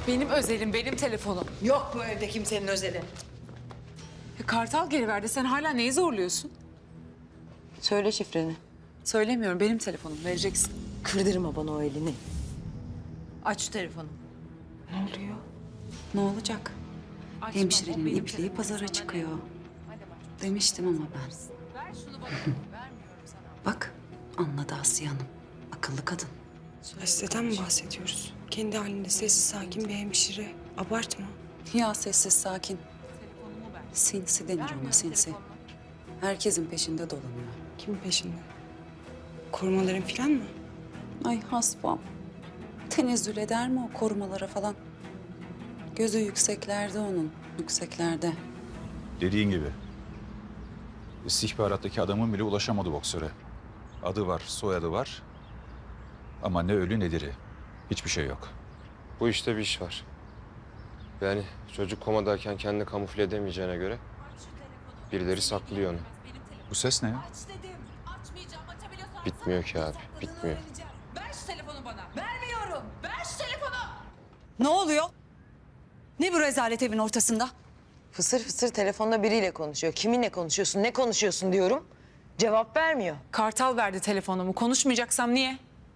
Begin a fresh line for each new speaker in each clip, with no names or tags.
Benim özelim, benim telefonum.
Yok bu evde kimsenin özeli.
Kartal geri verdi. Sen hala neyi zorluyorsun?
Söyle şifreni.
Söylemiyorum. Benim telefonum. Vereceksin.
Kırdırma bana o elini. Aç şu telefonu.
Ne oluyor? Ne olacak?
Açma, o
Hemşirenin
benim
ipliği
telefonum.
pazara
Sana ne?
çıkıyor.
Hadi bak.
Demiştim ama ben.
Ver şunu bana. Vermiyorum sana.
Bak anladı Asiye Hanım. Akıllı kadın.
Asiye'den mi bahsediyoruz? Kendi halinde sessiz sakin bir hemşire. Abartma.
Ya sessiz sakin.
Telefonumu ver.
Sinsi denir ona
Vermiyorum
sinsi.
telefonumu.
Herkesin peşinde dolanıyor.
Kimin peşinde? Korumaların falan mı?
Ay hasbam. Tenezzül eder mi o korumalara falan? Gözü yükseklerde onun. Yükseklerde.
Dediğin gibi. İstihbarattaki adamın bile ulaşamadı boksöre. Adı var, soyadı var. Ama ne ölü ne diri. Hiçbir şey yok.
Bu işte bir iş var. Yani çocuk komadayken kendini kamufle edemeyeceğine göre birileri saklıyor onu.
Bu ses ne ya?
Aç dedim. Açmayacağım. Açabiliyorsan
Bitmiyor ki abi,
sakladığını
bitmiyor.
öğreneceğim. Ver şu telefonu bana. Vermiyorum. Ver şu telefonu.
Ne oluyor? Ne bu rezalet evin ortasında?
Fısır fısır telefonda biriyle konuşuyor. Kiminle konuşuyorsun, ne konuşuyorsun diyorum. Cevap vermiyor.
Kartal verdi telefonumu. Konuşmayacaksam niye?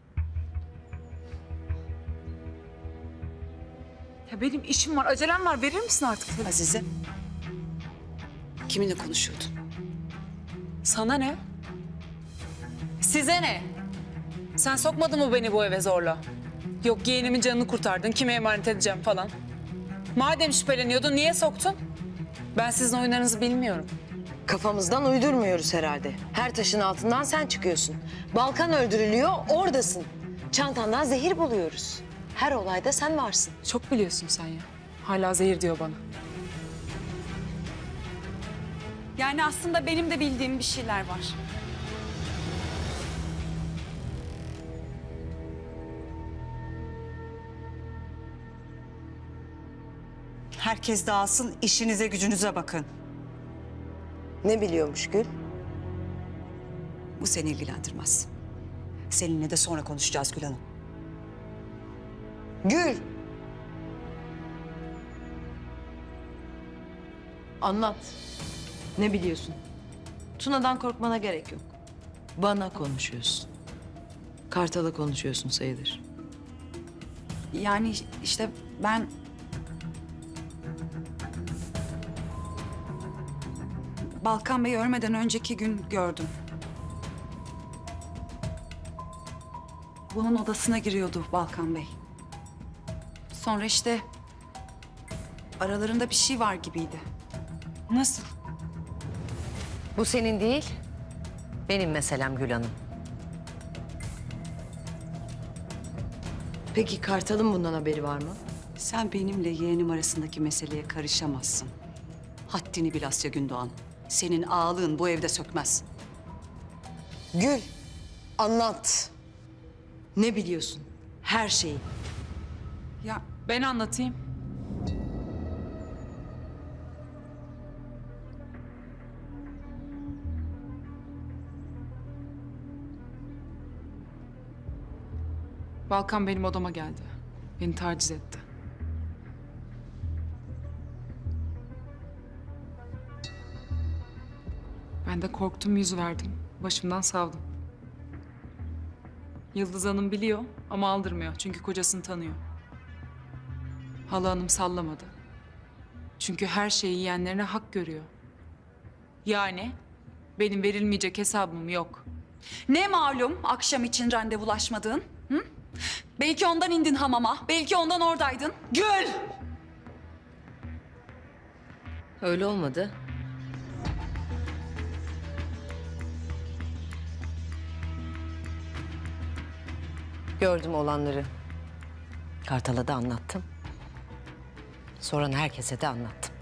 Ya benim işim var, acelem var. Verir misin artık telefonu?
Azize. Kiminle konuşuyordun?
Sana ne? Size ne? Sen sokmadın mı beni bu eve zorla? Yok yeğenimin canını kurtardın, kime emanet edeceğim falan. Madem şüpheleniyordun, niye soktun? Ben sizin oyunlarınızı bilmiyorum.
Kafamızdan uydurmuyoruz herhalde. Her taşın altından sen çıkıyorsun. Balkan öldürülüyor, oradasın. Çantandan zehir buluyoruz. Her olayda sen varsın.
Çok biliyorsun sen ya. Hala zehir diyor bana.
Yani aslında benim de bildiğim bir şeyler var.
Herkes dağılsın, işinize gücünüze bakın.
Ne biliyormuş Gül?
Bu seni ilgilendirmez. Seninle de sonra konuşacağız Gül Hanım.
Gül! Anlat. Ne biliyorsun? Tuna'dan korkmana gerek yok. Bana konuşuyorsun. Kartal'a konuşuyorsun sayılır.
Yani işte ben... Balkan Bey'i ölmeden önceki gün gördüm. Bunun odasına giriyordu Balkan Bey. Sonra işte aralarında bir şey var gibiydi.
Nasıl?
Bu senin değil, benim meselem Gül Hanım. Peki Kartal'ın bundan haberi var mı?
Sen benimle yeğenim arasındaki meseleye karışamazsın. Haddini bil Asya Gündoğan. Senin ağalığın bu evde sökmez.
Gül, anlat. Ne biliyorsun? Her şeyi.
Ya ben anlatayım. Balkan benim odama geldi. Beni taciz etti. Ben de korktum, yüz verdim. Başımdan savdım. Yıldız Hanım biliyor ama aldırmıyor çünkü kocasını tanıyor. Hala Hanım sallamadı. Çünkü her şeyi yiyenlerine hak görüyor. Yani benim verilmeyecek hesabım yok.
Ne malum akşam için randevulaşmadığın? Hı? Belki ondan indin hamama, belki ondan oradaydın.
Gül! Öyle olmadı. Gördüm olanları. Kartal'a da anlattım. Sonra herkese de anlattım.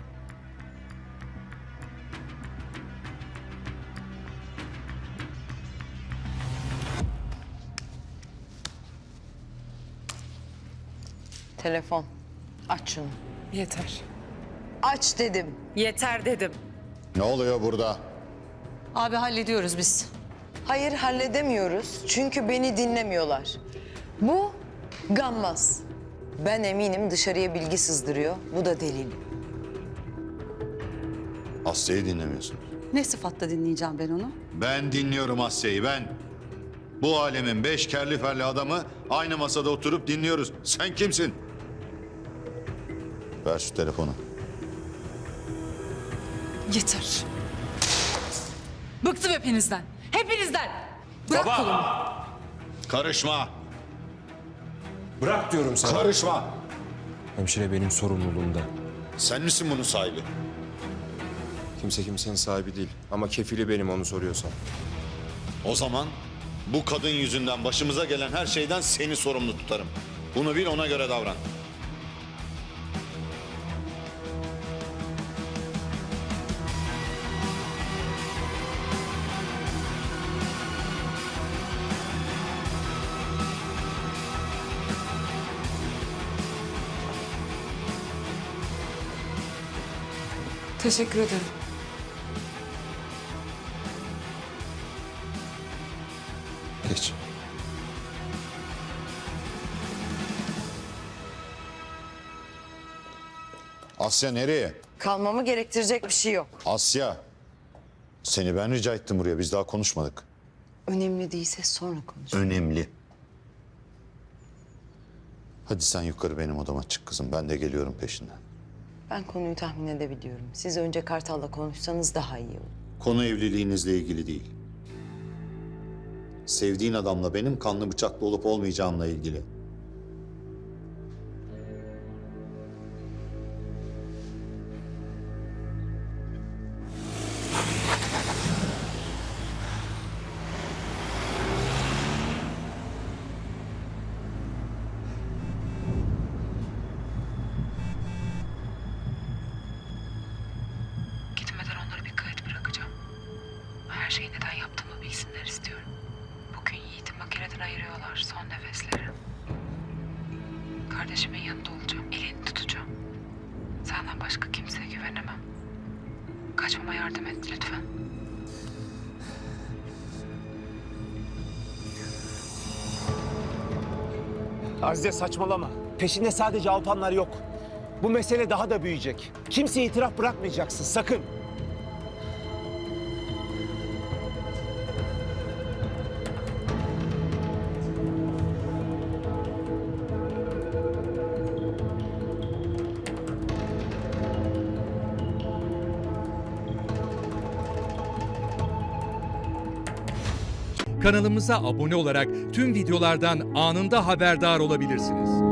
Telefon. Aç şunu.
Yeter.
Aç dedim.
Yeter dedim.
Ne oluyor burada?
Abi hallediyoruz biz.
Hayır halledemiyoruz çünkü beni dinlemiyorlar. Bu gammaz. Ben eminim dışarıya bilgi sızdırıyor. Bu da delil.
Asya'yı dinlemiyorsun.
Ne sıfatla dinleyeceğim ben onu?
Ben dinliyorum Asya'yı, ben. Bu alemin 5 kerli ferli adamı aynı masada oturup dinliyoruz. Sen kimsin? Ver şu telefonu.
Yeter. Bıktım hepinizden. Hepinizden. Bırak kolumu.
Karışma.
Bırak diyorum sana.
Karışma.
Hemşire benim sorumluluğumda.
Sen misin bunun sahibi?
Kimse kimsenin sahibi değil. Ama kefili benim onu soruyorsan.
O zaman bu kadın yüzünden başımıza gelen her şeyden seni sorumlu tutarım. Bunu bil, ona göre davran.
Teşekkür ederim.
Geç.
Asya nereye?
Kalmamı gerektirecek bir şey yok.
Asya. Seni ben rica ettim buraya. Biz daha konuşmadık.
Önemli değilse sonra konuş.
Önemli. Hadi sen yukarı benim odama çık kızım. Ben de geliyorum peşinden.
Ben konuyu tahmin edebiliyorum. Siz önce Kartal'la konuşsanız daha iyi olur.
Konu evliliğinizle ilgili değil. Sevdiğin adamla benim kanlı bıçaklı olup olmayacağımla ilgili.
Gitmeden onları bir kayıt bırakacağım. Her şeyi neden yaptığımı bilsinler istiyorum. Bugün Yiğit'i makineden ayırıyorlar, son nefesleri. Kardeşimin yanında olacağım, elini tutacağım. Senden başka kimseye güvenemem. Kaçmama yardım et lütfen.
Azize saçmalama. Peşinde sadece Alpanlar yok. Bu mesele daha da büyüyecek. Kimseye itiraf bırakmayacaksın sakın.
Kanalımıza abone olarak tüm videolardan anında haberdar olabilirsiniz.